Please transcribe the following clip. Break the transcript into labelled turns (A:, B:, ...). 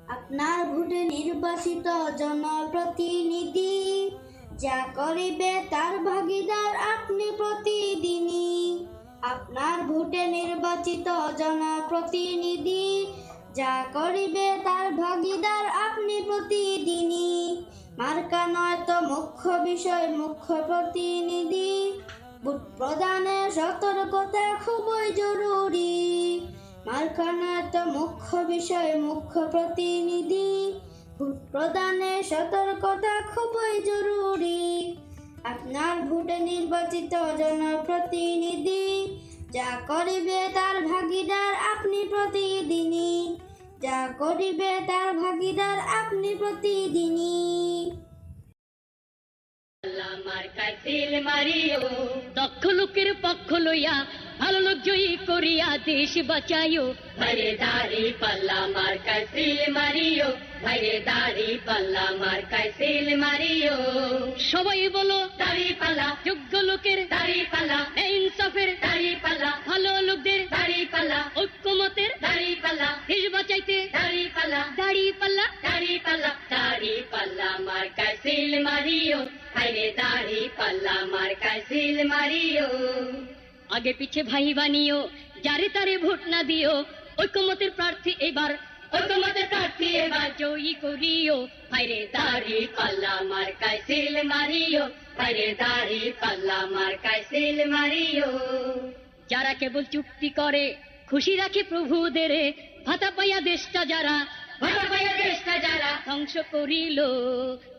A: আপনার ভোটে নির্বাচিত জনপ্রতিনিধি যা করিবে তার ভাগিদার আপনি প্রতিদিনই। আপনার ভোটে নির্বাচিত জনপ্রতিনিধি যা করিবে তার ভাগিদার আপনি প্রতিদিনই। মার্কা নয় তো মুখ্য বিষয়, মুখ্য প্রতিনিধি। ভোট প্রদানের সতর্কতা খুবই জরুরি। মার্কা নয় তো মুখ্য বিষয়, মুখ্য প্রতিনিধি। ভোট প্রদানের সতর্কতা খুবই জরুরি। আপনার ভোটে নির্বাচিত জনপ্রতিনিধি যা করিবে তার ভাগিদার আপনি প্রতিদিনই। যা করিবে তার ভাগিদার আপনি প্রতিদিনই।
B: মার্কায় সিল মারিও, দক্ষ লোকের পক্ষ লইয়া ভালো লোক জয়ী করিয়া দেশ বাঁচাইও। ভাইরে দাড়ি পাল্লা মার্কায় সিল মারিও, ভাইরে দাড়ি পাল্লা মার্কায় সিল মারিও। সবাই বলো দাড়ি পাল্লা, যোগ্য লোকের দাড়ি পাল্লা, ইনসাফের দাড়ি পাল্লা, ভালো লোকদের দাড়ি পাল্লা, ঐক্যমতের দাড়ি পাল্লা, দেশ বাঁচাইতে দাড়ি পাল্লা, দাড়ি পাল্লা, দাড়ি পাল্লা, দাড়ি পাল্লা মার্কায় সিল মারিও, ভাইরে দাড়ি পাল্লা মার্কায় সিল মারিও। আগে পিছে ভাই বানিও, যারে তারে ভোট না দিও, ঐক্যমতের প্রার্থী এবার, ঐক্যমতের প্রার্থী এবার জয়ী করিও। ভাইরে দাড়ি পাল্লা মার্কায় সিল মারিও, ভাইরে দাড়ি পাল্লা মার্কায় সিল মারিও। যারা কেবল চুক্তি করে খুশি রাখে প্রভুদের, ভাতা পাইয়া দেশটা যারা, ভাতা পাইয়া দেশটা যারা ধ্বংস করিল,